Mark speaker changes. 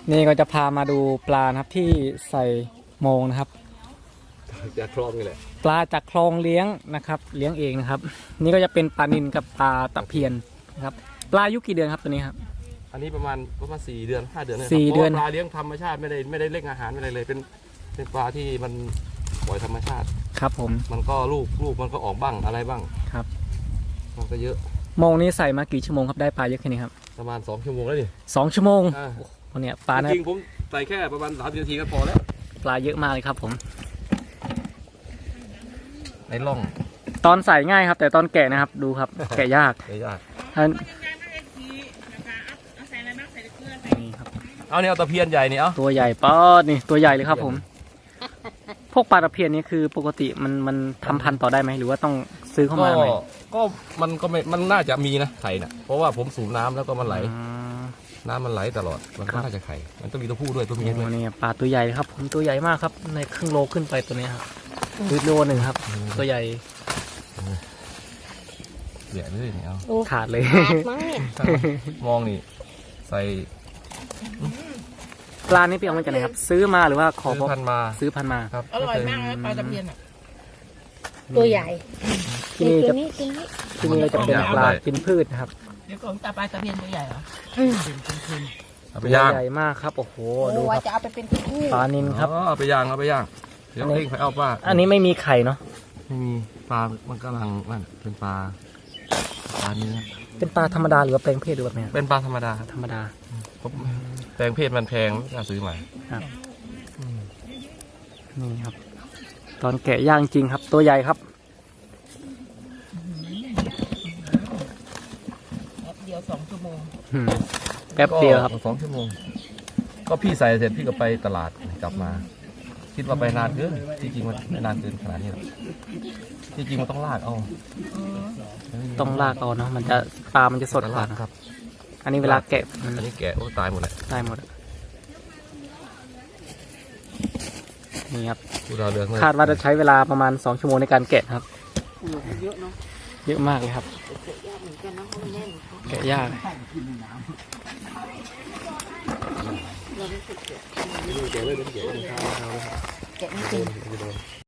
Speaker 1: นี่ก็จะพามาดูปลานะครับที่ใส่โมงนะครับ
Speaker 2: จากคลองนี่แหละ
Speaker 1: ปลาจากคลองเลี้ยงนะครับเลี้ยงเองนะครับนี่ก็จะเป็นปลานิลกับปลาตะเพียนนะครับปลาอายุกี่เดือนครับตัวนี้ครับ
Speaker 2: อันนี้ประมาณ4 เดือน5 เดือน
Speaker 1: 4 เดือน
Speaker 2: ปลาเลี้ยงธรรมชาติไม่ได้เล่งอาหารไม่ได้เลยเป็นปลาที่มันปล่อยธรรมชาติ
Speaker 1: ครับผม
Speaker 2: มันก็ลูกมันก็ออกบ้างอะไรบ้าง
Speaker 1: ครับ
Speaker 2: มันก็เยอะ
Speaker 1: โมงนี้ใส่มากี่ชั่วโมงครับได้ปลาเยอะแค่นี้ครับ
Speaker 2: ประมาณ2 ชั่วโมงแล้วนี่
Speaker 1: 2 ชั่วโมงเนี่ยปลา
Speaker 2: จริงผมใส่แค่ประมาณ30 นาทีก็พอแล้ว
Speaker 1: ปลาเยอะมากเลยครับผม
Speaker 2: ในร่อง
Speaker 1: ตอนใส่ง่ายครับแต่ตอนแกะนะครับดูครับแกะยากนี่ครับ
Speaker 2: เอาเนี่ยตะเพียนใหญ่เนี่ยเอา
Speaker 1: ตัวใหญ่ป๊อดนี่ตัวใหญ่เลยครับผมพวกปลาตะเพียนนี้คือปกติมันทำพันธุ์ต่อได้ไหมหรือว่าต้องซื้อเข้ามาไหม
Speaker 2: ก็มันน่าจะมีนะไข่น่ะเพราะว่าผมสูบน้ำแล้วก็มันไหลน้ำมันไหลตลอดมันก็น่าจะไข่มันต้องมีตัวผู้ด้วยตัวเมียด้วย
Speaker 1: นี่ปลาตัวใหญ่ครับผมตัวใหญ่มากครับในครึ่งโลขึ้นไปตัวนี้ครับโลหนึ่งครับตัวใหญ่
Speaker 2: เดี๋ยวเลยเนี่ย
Speaker 1: ขาดเลย
Speaker 2: มองนี่ใส่
Speaker 1: ปลานี่ไปเอามาจากไหนครับซื้อมาหรือว่าขอ
Speaker 2: ซื้อพันมา
Speaker 1: ครับ
Speaker 3: อร่อยมากเลยปลาตะเพียน
Speaker 4: ตัวใหญ่
Speaker 1: ที่นี่เราจะเป็นปลากินพืชนะครับ
Speaker 3: เดี๋ยวของปลาตะเพียนตัวใหญ่เหรอ
Speaker 2: ไปย่าง
Speaker 1: ใหญ่มากครับโอ้โหดูครับ
Speaker 4: จะเอาไปเป็นคู่
Speaker 1: ปลานิลครับ
Speaker 2: เอาไปย่างเดี๋ยวเพ่งไปเอาปลา
Speaker 1: อันนี้ไม่มีไข่เนาะ
Speaker 2: ไม่มีปลามันกำลังนั่นเป็นปลาเนื้อ
Speaker 1: เป็นปลาธรรมดาหรือว่าแปลงเพศหรือแบบนี้
Speaker 2: เป็นปลาธรรมดาแปลงเพศมันแพงไม่กล้าซื้อใหม่
Speaker 1: ครับนี่ครับตอนแกะย่างจริงครับตัวใหญ่ครับ
Speaker 3: แป๊บเดียว2 ชั่วโมง
Speaker 1: แป๊บเดียวครับ
Speaker 2: 2 ชั่วโมงก็พี่ใส่เสร็จพี่ก็ไปตลาดกลับมาคิดว่าไปนานเกินที่จริงมันไม่นานเกินขนาดนี้หรอกที่จริงมันต้องลากเอา
Speaker 1: ต้องลากเอาเนาะมันจะปลามันจะสดกว่านะครับอันนี้เวลาแกะ
Speaker 2: อันนี้แกะโอ้ตายหมดเลย
Speaker 1: ตายหมดนี่ครับคาดว่าจะใช้เวลาประมาณ2 ชั่วโมงในการแกะครับ
Speaker 3: เยอะเนาะ
Speaker 1: เยอะมากเลยครับแกะยาก
Speaker 4: แกะไม่เป็น